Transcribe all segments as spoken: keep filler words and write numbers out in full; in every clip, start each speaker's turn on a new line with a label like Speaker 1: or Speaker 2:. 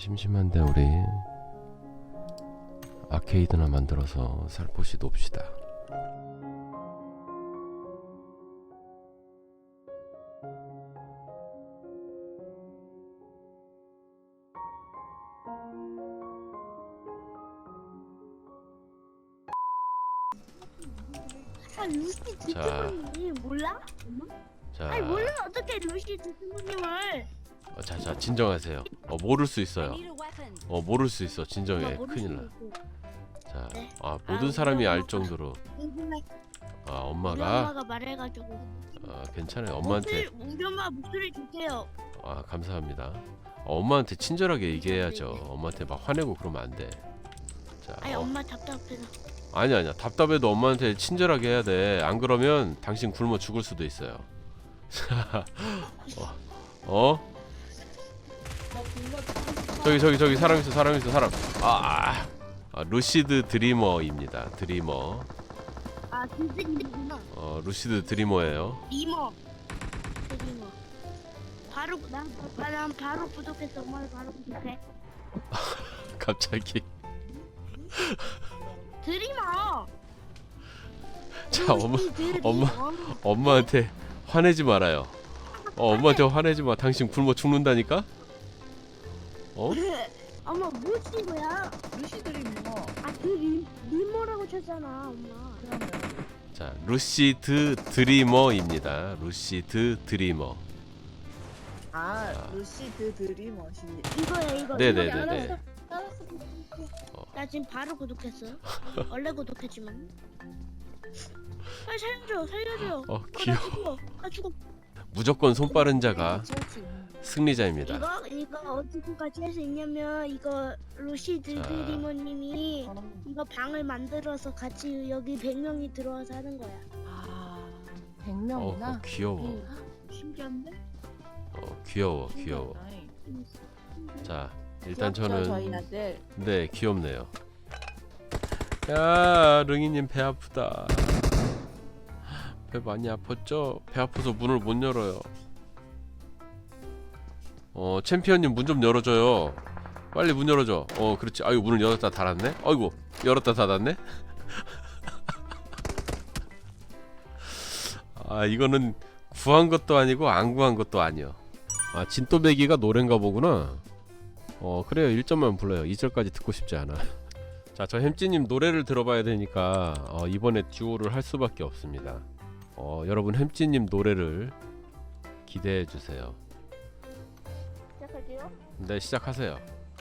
Speaker 1: 심심한데 우리 아케이드나 만들어서 살포시 놉시다.
Speaker 2: 아, 루시 드스모님 몰라?
Speaker 1: 자,
Speaker 2: 아니 몰라 어떻게 루시 드스모님을?
Speaker 1: 어, 자, 자, 진정하세요. 어, 모를 수 있어요. 어, 모를 수 있어. 진정해.
Speaker 2: 모를
Speaker 1: 큰일
Speaker 2: 수
Speaker 1: 나.
Speaker 2: 있고.
Speaker 1: 자,
Speaker 2: 네.
Speaker 1: 아,
Speaker 2: 아,
Speaker 1: 모든
Speaker 2: 우리
Speaker 1: 사람이 알
Speaker 2: 엄마가-
Speaker 1: 정도로. 아,
Speaker 2: 우리
Speaker 1: 엄마가.
Speaker 2: 엄마가 말해가지고.
Speaker 1: 아, 괜찮아요. 엄마한테.
Speaker 2: 목소리, 우리 엄마 목소리 주세요.
Speaker 1: 아, 감사합니다. 어, 엄마한테 친절하게 얘기해야죠. 엄마한테 막 화내고 그러면 안 돼. 자,
Speaker 2: 아니
Speaker 1: 어,
Speaker 2: 엄마 답답해서.
Speaker 1: 아니 아니야. 답답해도 엄마한테 친절하게 해야 돼. 안 그러면 당신 굶어 죽을 수도 있어요. 어? 어? 저기 저기 저기 사람 있어 사람 있어 사람. 아, 아 루시드 드리머입니다. 드리머.
Speaker 2: 아 드스모구나.
Speaker 1: 어 루시드 드리머예요.
Speaker 2: 리머. 드리머. 바로 난, 난 바로 구독했어. 엄마를 바로 구독해.
Speaker 1: 갑자기.
Speaker 2: 드리머.
Speaker 1: 자 엄마
Speaker 2: 루시 드리머.
Speaker 1: 엄마 엄마한테 화내지 말아요. 어 엄마한테 화내지 마. 당신 굶어 죽는다니까. 어?
Speaker 2: 엄마 뭐 쓴 거야?
Speaker 3: 루시들이 뭐
Speaker 2: 아, 그 리, 리모라고 쳤잖아, 엄마.
Speaker 3: 그러면
Speaker 1: 자 루시드 드리머입니다. 루시드 드리머.
Speaker 3: 아 루시드 드리머시
Speaker 2: 이거야, 이거.
Speaker 1: 네네네네.
Speaker 2: 이거 알았어.
Speaker 3: 알았어.
Speaker 2: 나 지금 바로 구독했어. 원래 구독했지만. 빨리 살려줘, 살려줘.
Speaker 1: 어
Speaker 2: 어,
Speaker 1: 귀여워.
Speaker 2: 나 죽어, 나 죽어.
Speaker 1: 무조건 손 빠른 자가
Speaker 3: 그렇지.
Speaker 1: 승리자입니다.
Speaker 2: 이거, 이거 어디까지 할 수 있냐면, 이거 루시드
Speaker 1: 자.
Speaker 2: 드리머님이 이거 방을 만들어서 같이 여기 백 명이 들어와서 하는 거야.
Speaker 3: 아 백
Speaker 1: 어
Speaker 3: 명이나
Speaker 1: 귀여워.
Speaker 2: 신기한데?
Speaker 1: 어 귀여워 귀여워. 자 일단 저는
Speaker 3: 저희 아들
Speaker 1: 네 귀엽네요. 야 릉이님 배 아프다. 배 많이 아팠죠? 배 아파서 문을 못 열어요. 어 챔피언님 문 좀 열어줘요. 빨리 문 열어줘. 어 그렇지. 아이고 문을 열었다 닫았네. 아이고 열었다 닫았네. 아 이거는 구한 것도 아니고 안 구한 것도 아니요. 아 진또배기가 노래인가 보구나. 어 그래요. 일 점만 불러요. 이 절까지 듣고 싶지 않아. 자 저 햄찌님 노래를 들어봐야 되니까 어, 이번에 듀오를 할 수밖에 없습니다. 어 여러분 햄찌님 노래를 기대해 주세요.
Speaker 2: 시작할게요.
Speaker 1: 네 시작하세요.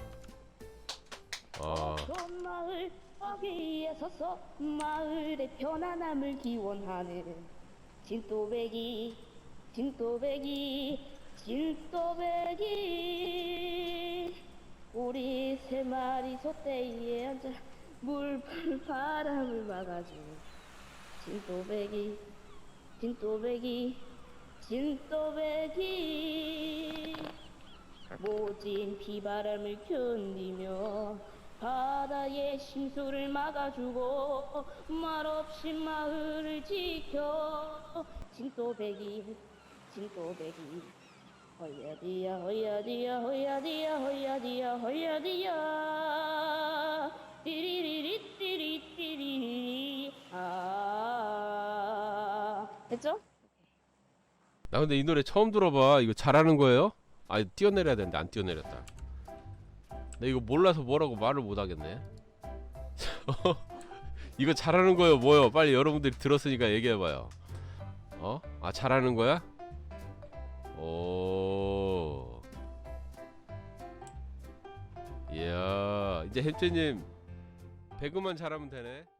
Speaker 1: 어
Speaker 2: 전 마을 거기에 서서 마을의 편안함을 기원하는 진또배기 진또배기 진또배기 우리 세 마리 소떼에 앉아 물풀 바람을 막아줘 진또배기 진또배기 진또배기 모진 비바람을 견디며 바다의 심수를 막아주고 말없이 마을을 지켜 진또배기 진또배기 허야디야 허야디야 허야디야 허야디야 허야디야 띠리리리 띠리띠리리 아 됐죠?
Speaker 1: 나 근데 이 노래 처음 들어봐. 이거 잘하는 거예요? 아 뛰어내려야 되는데 안 뛰어내렸다. 나 이거 몰라서 뭐라고 말을 못 하겠네. 이거 잘하는 거예요 뭐요? 빨리 여러분들이 들었으니까 얘기해봐요. 어? 아 잘하는 거야? 오. 이야 이제 햄찌님 배그만 잘하면 되네.